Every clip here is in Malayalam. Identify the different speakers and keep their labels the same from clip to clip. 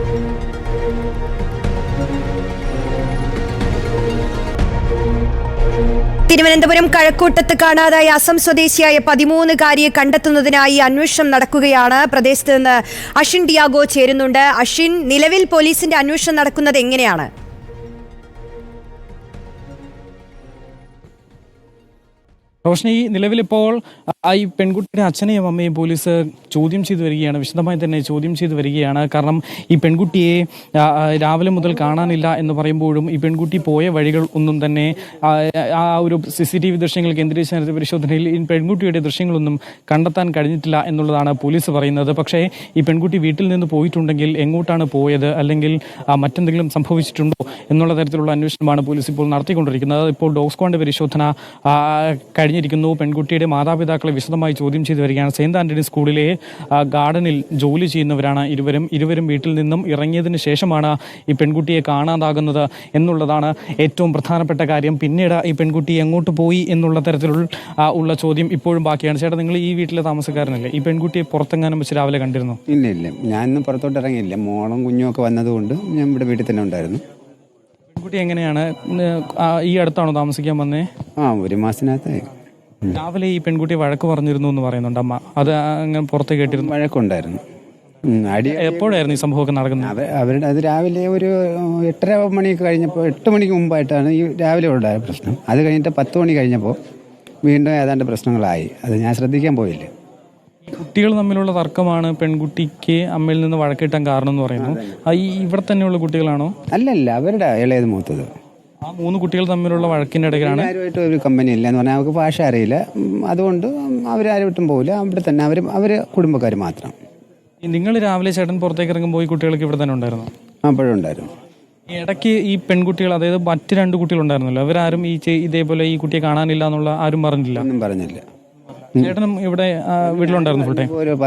Speaker 1: തിരുവനന്തപുരം കഴക്കൂട്ടത്ത് കാണാതായ അസം സ്വദേശിയായ 13-കാരിയെ കണ്ടെത്തുന്നതിനായി അന്വേഷണം നടക്കുകയാണ്. പ്രദേശത്ത് നിന്ന് അഷിൻ ഡിയാഗോ ചേരുന്നുണ്ട്. അഷിൻ, നിലവിൽ പോലീസിന്റെ അന്വേഷണം നടക്കുന്നത് എങ്ങനെയാണ്?
Speaker 2: റോഷ്നി, നിലവിലിപ്പോൾ ഈ പെൺകുട്ടിയുടെ അച്ഛനെയും അമ്മയും പോലീസ് ചോദ്യം ചെയ്തു വരികയാണ്, വിശദമായി തന്നെ ചോദ്യം ചെയ്തു വരികയാണ്. കാരണം ഈ പെൺകുട്ടിയെ രാവിലെ മുതൽ കാണാനില്ല എന്ന് പറയുമ്പോഴും ഈ പെൺകുട്ടി പോയ വഴികൾ ഒന്നും തന്നെ ആ ഒരു CCTV ദൃശ്യങ്ങൾ കേന്ദ്രീകരിച്ച് നടത്തിയ പരിശോധനയിൽ ഈ പെൺകുട്ടിയുടെ ദൃശ്യങ്ങളൊന്നും കണ്ടെത്താൻ കഴിഞ്ഞിട്ടില്ല എന്നുള്ളതാണ് പോലീസ് പറയുന്നത്. പക്ഷേ ഈ പെൺകുട്ടി വീട്ടിൽ നിന്ന് പോയിട്ടുണ്ടെങ്കിൽ എങ്ങോട്ടാണ് പോയത്, അല്ലെങ്കിൽ മറ്റെന്തെങ്കിലും സംഭവിച്ചിട്ടുണ്ടോ എന്നുള്ള തരത്തിലുള്ള അന്വേഷണമാണ് പോലീസ് ഇപ്പോൾ നടത്തിക്കൊണ്ടിരിക്കുന്നത്. ഇപ്പോൾ ഡോഗ് സ്ക്വാഡ് പരിശോധന കഴിഞ്ഞിരിക്കുന്നു. പെൺകുട്ടിയുടെ മാതാപിതാക്കളെ വിശദമായി ചോദ്യം ചെയ്തു വരികയാണ്. സെയിന്റ് ആന്റണി സ്കൂളിലെ ഗാർഡനിൽ ജോലി ചെയ്യുന്നവരാണ് ഇരുവരും വീട്ടിൽ നിന്നും ഇറങ്ങിയതിന് ശേഷമാണ് ഈ പെൺകുട്ടിയെ കാണാതാകുന്നത് എന്നുള്ളതാണ് ഏറ്റവും പ്രധാനപ്പെട്ട കാര്യം. പിന്നീട് ഈ പെൺകുട്ടി എങ്ങോട്ട് പോയി എന്നുള്ള തരത്തിലുള്ള ചോദ്യം ഇപ്പോഴും ബാക്കിയാണ്. ചേട്ടാ, നിങ്ങൾ ഈ വീട്ടിലെ താമസക്കാരനല്ലേ? ഈ പെൺകുട്ടിയെ പുറത്തെങ്ങാനും വെച്ച് രാവിലെ കണ്ടിരുന്നു?
Speaker 3: ഇല്ല, ഞാനൊന്നും പുറത്തോട്ട് ഇറങ്ങിയില്ല. മോളും കുഞ്ഞുമൊക്കെ വന്നതുകൊണ്ട് ഞാൻ ഇവിടെ വീട്ടിൽ തന്നെ ഉണ്ടായിരുന്നു.
Speaker 2: പെൺകുട്ടി എങ്ങനെയാണ് ഈ അടുത്താണോ താമസിക്കാൻ വന്നേ?
Speaker 3: ഒരു മാസത്തിനകത്തായി.
Speaker 2: രാവിലെ ഈ പെൺകുട്ടി വഴക്ക് പറഞ്ഞിരുന്നു എന്ന് പറയുന്നുണ്ട് അമ്മ. അത് അങ്ങനെ പുറത്ത് കേട്ടിരുന്നു?
Speaker 3: വഴക്കുണ്ടായിരുന്നു.
Speaker 2: എപ്പോഴായിരുന്നു ഈ സംഭവമൊക്കെ നടക്കുന്നത്?
Speaker 3: അത് രാവിലെ ഒരു 8:30 മണിയൊക്കെ കഴിഞ്ഞപ്പോൾ, 8 മണിക്ക് മുമ്പായിട്ടാണ് ഈ രാവിലെ ഉണ്ടായ പ്രശ്നം. അത് കഴിഞ്ഞിട്ട് 10 മണി കഴിഞ്ഞപ്പോൾ വീണ്ടും ഏതാണ്ട് പ്രശ്നങ്ങളായി. അത് ഞാൻ ശ്രദ്ധിക്കാൻ പോയില്ല.
Speaker 2: കുട്ടികൾ തമ്മിലുള്ള തർക്കമാണ് പെൺകുട്ടിക്ക് അമ്മയിൽ നിന്ന് വഴക്കിട്ടാൻ കാരണം എന്ന് പറയുന്നു. ഇവിടെ തന്നെയുള്ള കുട്ടികളാണോ?
Speaker 3: അല്ലല്ല, അവരുടെ ഇളയത് മൂത്തത്.
Speaker 2: ആ 3 കുട്ടികൾ തമ്മിലുള്ള വഴക്കിന്റെ ഇടയിലാണ്.
Speaker 3: ആരുമായിട്ട് ഒരു കമ്പനി ഇല്ല എന്ന് പറഞ്ഞാൽ അവർക്ക് ഭാഷ അറിയില്ല. അതുകൊണ്ട് അവരാരുമായിട്ടും പോകില്ല. അവിടെ തന്നെ അവര് കുടുംബക്കാർ മാത്രം.
Speaker 2: നിങ്ങൾ രാവിലെ ചേട്ടൻ പുറത്തേക്ക് ഇറങ്ങുമ്പോൾ ഈ കുട്ടികൾക്ക് ഇവിടെ തന്നെ ഉണ്ടായിരുന്നു?
Speaker 3: അപ്പോഴും ഉണ്ടായിരുന്നു.
Speaker 2: ഇടയ്ക്ക് ഈ പെൺകുട്ടികൾ, അതായത് മറ്റ് 2 കുട്ടികളുണ്ടായിരുന്നല്ലോ, അവരാരും ഇതേപോലെ ഈ കുട്ടിയെ കാണാനില്ല എന്നുള്ള ആരും പറഞ്ഞില്ല?
Speaker 3: ഒന്നും പറഞ്ഞില്ല.
Speaker 2: ചേട്ടനും ഇവിടെ വീട്ടിലുണ്ടായിരുന്നു ഫുൾ ടൈം?
Speaker 3: ഒരു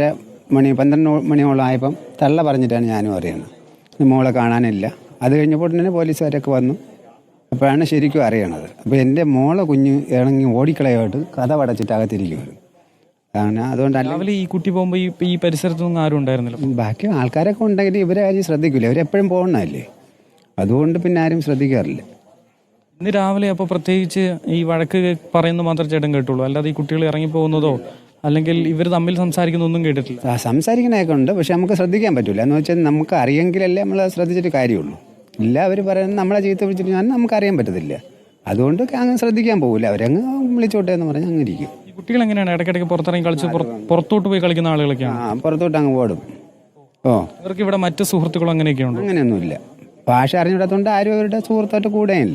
Speaker 3: 12 മണിയോളം ആയപ്പം തള്ള പറഞ്ഞിട്ടാണ് ഞാനും അറിയുന്നത് മോളെ കാണാനില്ല. അത് കഴിഞ്ഞപ്പോൾ തന്നെ പോലീസുകാരൊക്കെ വന്നു. അപ്പോഴാണ് ശരിക്കും അറിയണത്. അപ്പോൾ എൻ്റെ മോളെ കുഞ്ഞ് ഇറങ്ങി ഓടിക്കളയായിട്ട് കഥ പടച്ചിട്ട് അകത്തിരിക്കുകയാണ്. അതുകൊണ്ട്
Speaker 2: രാവിലെ ഈ കുട്ടി പോകുമ്പോൾ ഈ പരിസരത്തൊന്നും ആരും ഉണ്ടായിരുന്നില്ല?
Speaker 3: ബാക്കി ആൾക്കാരൊക്കെ ഉണ്ടെങ്കിൽ ഇവരെ ആരും ശ്രദ്ധിക്കില്ല. ഇവരെപ്പോഴും പോകണമല്ലേ, അതുകൊണ്ട് പിന്നെ ആരും ശ്രദ്ധിക്കാറില്ല.
Speaker 2: ഇന്ന് രാവിലെ അപ്പോൾ പ്രത്യേകിച്ച് ഈ വഴക്ക് പറയുന്നത് മാത്രം ചേട്ടൻ കേട്ടുള്ളൂ, അല്ലാതെ ഈ കുട്ടികൾ ഇറങ്ങിപ്പോകുന്നതോ അല്ലെങ്കിൽ ഇവർ തമ്മിൽ സംസാരിക്കുന്നൊന്നും കേട്ടിട്ടില്ല?
Speaker 3: സംസാരിക്കണൊക്കെ ഉണ്ട്, പക്ഷെ നമുക്ക് ശ്രദ്ധിക്കാൻ പറ്റില്ല. എന്ന് വെച്ചാൽ നമുക്ക് അറിയെങ്കിലല്ലേ നമ്മൾ ശ്രദ്ധിച്ചിട്ട് കാര്യമുള്ളൂ. ഇല്ല, അവർ പറയുന്നത് നമ്മളെ ചീത്ത വിളിച്ചിട്ട് ഞാൻ നമുക്കറിയാൻ പറ്റത്തില്ല. അതുകൊണ്ട് അങ്ങ് ശ്രദ്ധിക്കാൻ പോകില്ല. അവരങ്ങ് വിളിച്ചോട്ടെ എന്ന് പറഞ്ഞാൽ അങ്ങ് ഇരിക്കും.
Speaker 2: ഈ കുട്ടികൾ എങ്ങനെയാണ് ഇടയ്ക്കിടയ്ക്ക് പുറത്തിറങ്ങി കളിച്ച് പുറത്തോട്ട് പോയി കളിക്കുന്ന ആളുകളൊക്കെയാണ്?
Speaker 3: പുറത്തോട്ട് അങ്ങ് ഓടും.
Speaker 2: ഇവർക്ക് ഇവിടെ മറ്റ് സുഹൃത്തുക്കളും അങ്ങനെയൊക്കെയുണ്ട്?
Speaker 3: അങ്ങനെയൊന്നുമില്ല. ഭാഷ അറിഞ്ഞിടത്തോണ്ട് ആരും അവരുടെ സുഹൃത്തായിട്ട് കൂടെയില്ല.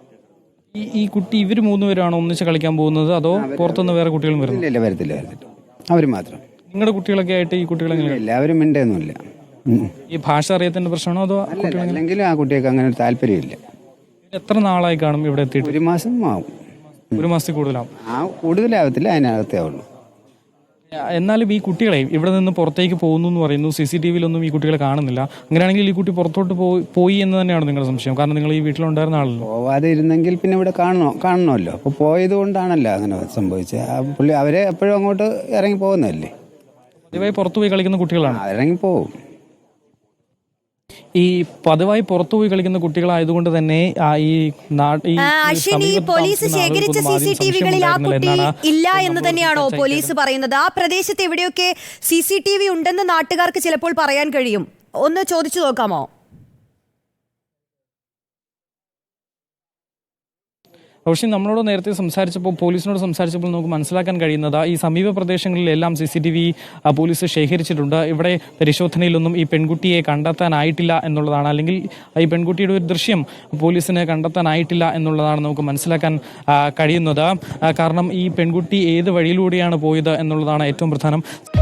Speaker 2: ഈ കുട്ടി ഇവർ 3 പേരാണോ ഒന്നിച്ച് കളിക്കാൻ പോകുന്നത്, അതോ പുറത്തുനിന്ന് വേറെ കുട്ടികളും വരുന്നു?
Speaker 3: ഇല്ല, വരത്തില്ല. അവർ മാത്രം.
Speaker 2: നിങ്ങളുടെ കുട്ടികളൊക്കെ ആയിട്ട് ഈ കുട്ടികൾ
Speaker 3: എല്ലാവരും മിണ്ടൊന്നുമില്ല.
Speaker 2: ഈ ഭാഷ അറിയത്തിന്റെ പ്രശ്നമാണോ അതോ?
Speaker 3: അല്ലെങ്കിലും ആ കുട്ടികൾക്ക് അങ്ങനെ ഒരു താല്പര്യമില്ല.
Speaker 2: എത്ര നാളായി കാണും ഇവിടെ എത്തിയിട്ട്?
Speaker 3: 1 മാസം ആവും.
Speaker 2: 1 മാസത്തിൽ കൂടുതലാവും?
Speaker 3: കൂടുതലാവത്തില്ല, അതിനകത്തേ ആവുള്ളൂ.
Speaker 2: എന്നാലും ഈ കുട്ടികളെ ഇവിടെ നിന്ന് പുറത്തേക്ക് പോകുന്നു എന്ന് പറയുന്നു. CCTVയിലൊന്നും ഈ കുട്ടികളെ കാണുന്നില്ല. അങ്ങനെയാണെങ്കിൽ ഈ കുട്ടി പുറത്തോട്ട് പോയി എന്ന് തന്നെയാണ് നിങ്ങളുടെ സംശയം? കാരണം നിങ്ങൾ ഈ വീട്ടിലുണ്ടായിരുന്ന ആളല്ലോ.
Speaker 3: പോവാതെ ഇരുന്നെങ്കിൽ പിന്നെ ഇവിടെ കാണണമല്ലോ. അപ്പോൾ പോയത് കൊണ്ടാണല്ലോ അങ്ങനെ സംഭവിച്ചത്. പുള്ളി അവരെ എപ്പോഴും അങ്ങോട്ട് ഇറങ്ങി പോകുന്നതല്ലേ.
Speaker 2: പതിവായി പുറത്തുപോയി കളിക്കുന്ന കുട്ടികളാണ്?
Speaker 3: ഇറങ്ങിപ്പോവും.
Speaker 2: ഈ പതിവായി പുറത്തുപോയി കളിക്കുന്ന കുട്ടികളായതുകൊണ്ട് തന്നെ
Speaker 1: പോലീസ് ശേഖരിച്ച CCTVകളിൽ ആ കുട്ടി ഇല്ല എന്ന് തന്നെയാണോ പോലീസ് പറയുന്നത്? ആ പ്രദേശത്ത് എവിടെയൊക്കെ CCTV ഉണ്ടെന്ന് നാട്ടുകാർക്ക് ചിലപ്പോൾ പറയാൻ കഴിയും. ഒന്ന് ചോദിച്ചു നോക്കാമോ?
Speaker 2: പക്ഷേ നമ്മളോട് നേരത്തെ പോലീസിനോട് സംസാരിച്ചപ്പോൾ നമുക്ക് മനസ്സിലാക്കാൻ കഴിയുന്നത് ഈ സമീപ പ്രദേശങ്ങളിലെല്ലാം CCTV പോലീസ് ശേഖരിച്ചിട്ടുണ്ട്. ഇവിടെ പരിശോധനയിലൊന്നും ഈ പെൺകുട്ടിയെ കണ്ടെത്താനായിട്ടില്ല എന്നുള്ളതാണ്, അല്ലെങ്കിൽ ഈ പെൺകുട്ടിയുടെ ഒരു ദൃശ്യം പോലീസിന് കണ്ടെത്താനായിട്ടില്ല എന്നുള്ളതാണ് നമുക്ക് മനസ്സിലാക്കാൻ കഴിയുന്നത്. കാരണം ഈ പെൺകുട്ടി ഏത് വഴിയിലൂടെയാണ് പോയത് എന്നുള്ളതാണ് ഏറ്റവും പ്രധാനം.